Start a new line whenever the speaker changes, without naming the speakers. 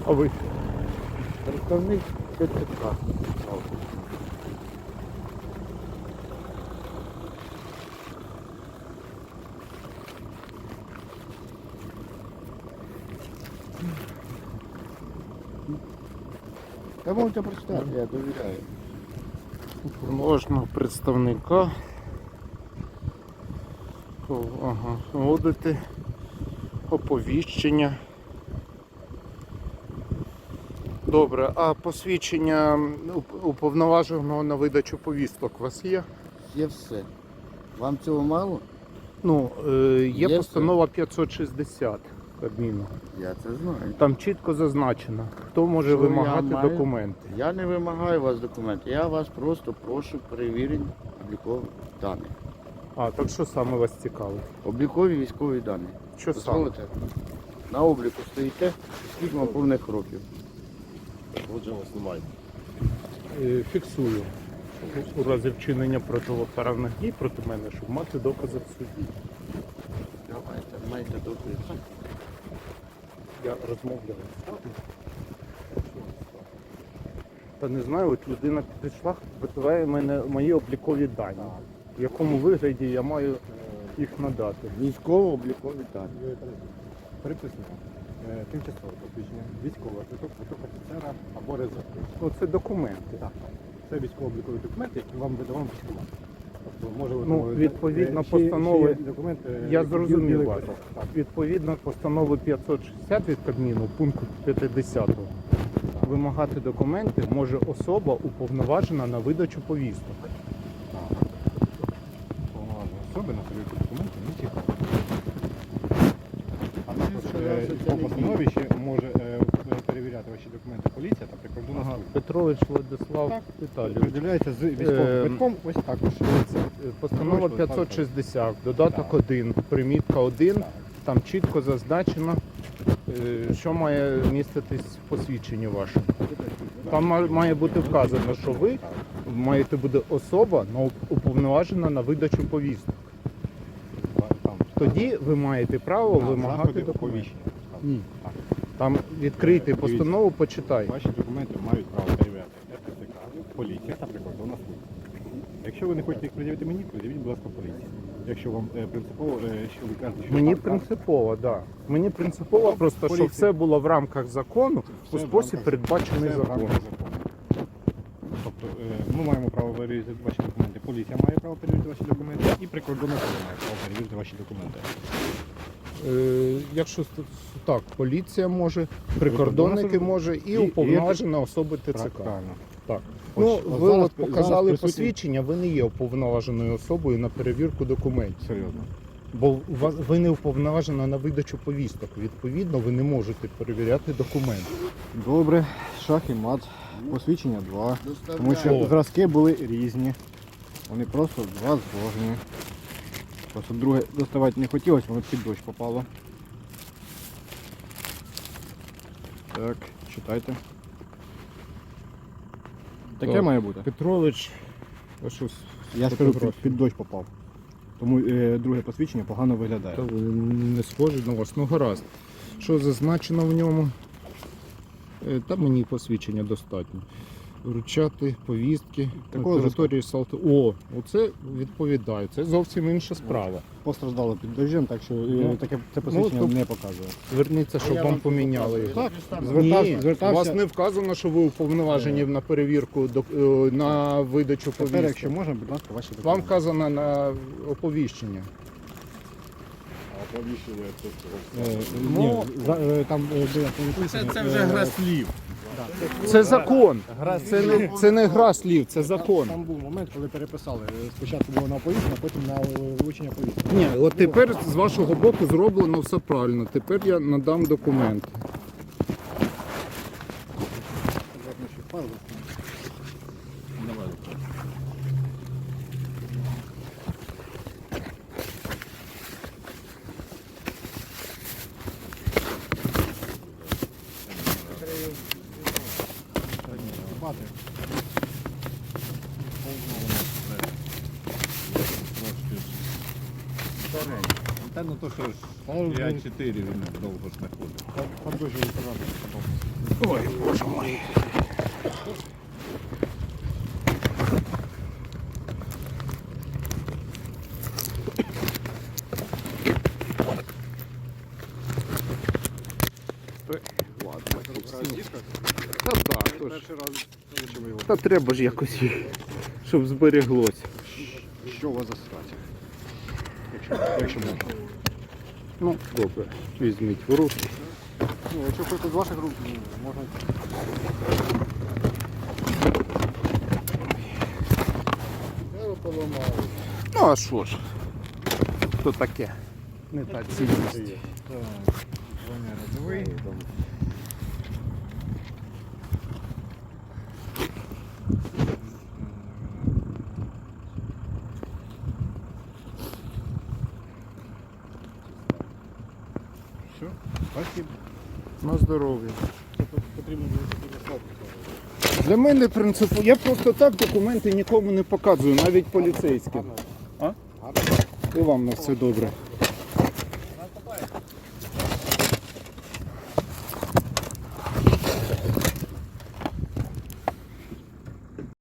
А ви?
Представник ТЦК. Та можете прочитати, я довіряю.
Уповноваженого представника. Ага, вводити оповіщення. Добре, а посвідчення уповноваженого на видачу повісток у вас є?
Є все. Вам цього мало?
Ну, є
Є
постанова 560 Кабміну.
Я це знаю.
Там чітко зазначено, хто може
Що
вимагати
я маю?
документи.
Я не вимагаю у вас документи, я вас просто прошу перевірень облікових даних.
А, так що саме вас цікавить?
Облікові військові дані.
Що саме?
Дозволите? На обліку стоїте, скільки вам повних років.
Отже, вас немає.
Фіксую у разі вчинення протиправних дій проти мене, щоб мати докази в суді.
Давайте, маєте докази.
Я розмовляю. Та не знаю, от людина підійшла, питає мене мої облікові дані. В якому вигляді я маю їх надати.
Військово-облікові дані.
Приписне. Тимчасове посвідчення. Військовий квиток, квиток офіцера або резервист.
Ну, це документи.
Так. Це військово-облікові документи, які вам видавав військкомат. Тобто, може, ви
Ну,
отримали,
відповідно
ще є
постанови,
документ,
я зрозумів
білий
вас.
квиток. Так.
Відповідно постанови 560 від Кабміну, пункту 50, вимагати документи може особа уповноважена на видачу повісток.
Повноважені особи на перевірку документів не чекають. А також по постанові ще може перевіряти ваші документи поліція та прикордонна служба.
Петрович Владислав
Так.
Віталійович.
Приділяється з військовим квитком, ось також.
Постанова 560, додаток 1, примітка 1, там чітко зазначено, що має міститись в посвідченні вашому. Там має бути вказано, що ви маєте бути особа, уповноважена на видачу повісток.
Там
Тоді ви маєте право вимагати
заходи
документи.
оповіщення.
Ні.
Так.
Там відкрийте постанову, почитай.
Ваші документи мають право перевіряти РТЦК, поліція та прикордонна служба. Якщо ви не хочете їх пред'явити мені, пред'явіть, будь ласка, поліції. Якщо вам принципово, що ви кажете, що
Мені
так,
принципово, так. Да. Мені принципово просто, щоб
поліція.
все було в рамках закону, у
Все в
спосіб
рамках-
передбачений
все в
законом.
рамках закону. Тобто ми маємо право перевірити ваші документи, поліція має право перевірити ваші документи і прикордонна служба має право перевірити ваші документи.
Якщо так, поліція може, прикордонники може і уповноважена особа ТЦК.
Правильно.
Так.
Ось,
Ну,
ось
ви
зараз-
от показали
зараз присутні-
посвідчення, ви не є уповноваженою особою на перевірку документів.
Серйозно.
Бо ви не уповноважена на видачу повісток. Відповідно, ви не можете перевіряти документи.
Добре, шах і мат. Посвідчення 2. Тому що
О.
зразки були різні. Вони просто два зложені. Просто друге доставати не хотілося, воно під дощ попало. Так, читайте. Таке
Так.
має бути.
Петрович, щось
Я ж кажу, під дощ попав. Тому друге посвідчення погано виглядає.
Та ви не схожі на вас, ну гаразд. Що зазначено в ньому? Та мені посвідчення достатньо. Вручати повістки
Такого
на території Салти. О, оце відповідає. Це зовсім інша справа.
Постраждало під дощем, так що
Ну,
таке це посвідчення
то-
не показує.
Зверніться, щоб вам поміняли його.
Так,
Ні,
звертався.
у вас не вказано, що ви уповноважені на перевірку, на видачу
Тепер,
повістки.
якщо можна, будь ласка, ваші
Вам
документи.
вказано на оповіщення.
А повіщення
Ну,
там де написано.
Це вже гра слів.
Це закон. Це не гра слів, це закон.
Там був момент, коли переписали. Спочатку було на оповіщення, потім на вилучення повістки.
Ні, от тепер з вашого боку зроблено все правильно. Тепер я надам документи.
Бати.
Та ну то що ж, я 4 він довго ж не ходить.
Там дуже не казати.
Ой, боже мой. Ладно, Та так, то ж.
Перший раз вивчимо його.
Та треба ж якось, щоб збереглося.
Що у вас за ситуація? Якщо можна.
Ну, добре, візьміть в руки.
Ну, якщо хочете з ваших рук, можна.
Ну а що ж? То таке? Не та цінність.
Так, звання рядовий. Все, спасибо.
На здоров'я.
Потрібно було такі висадки.
Для мене принципово. Я просто так документи нікому не показую, навіть поліцейським. А? І вам на все добре.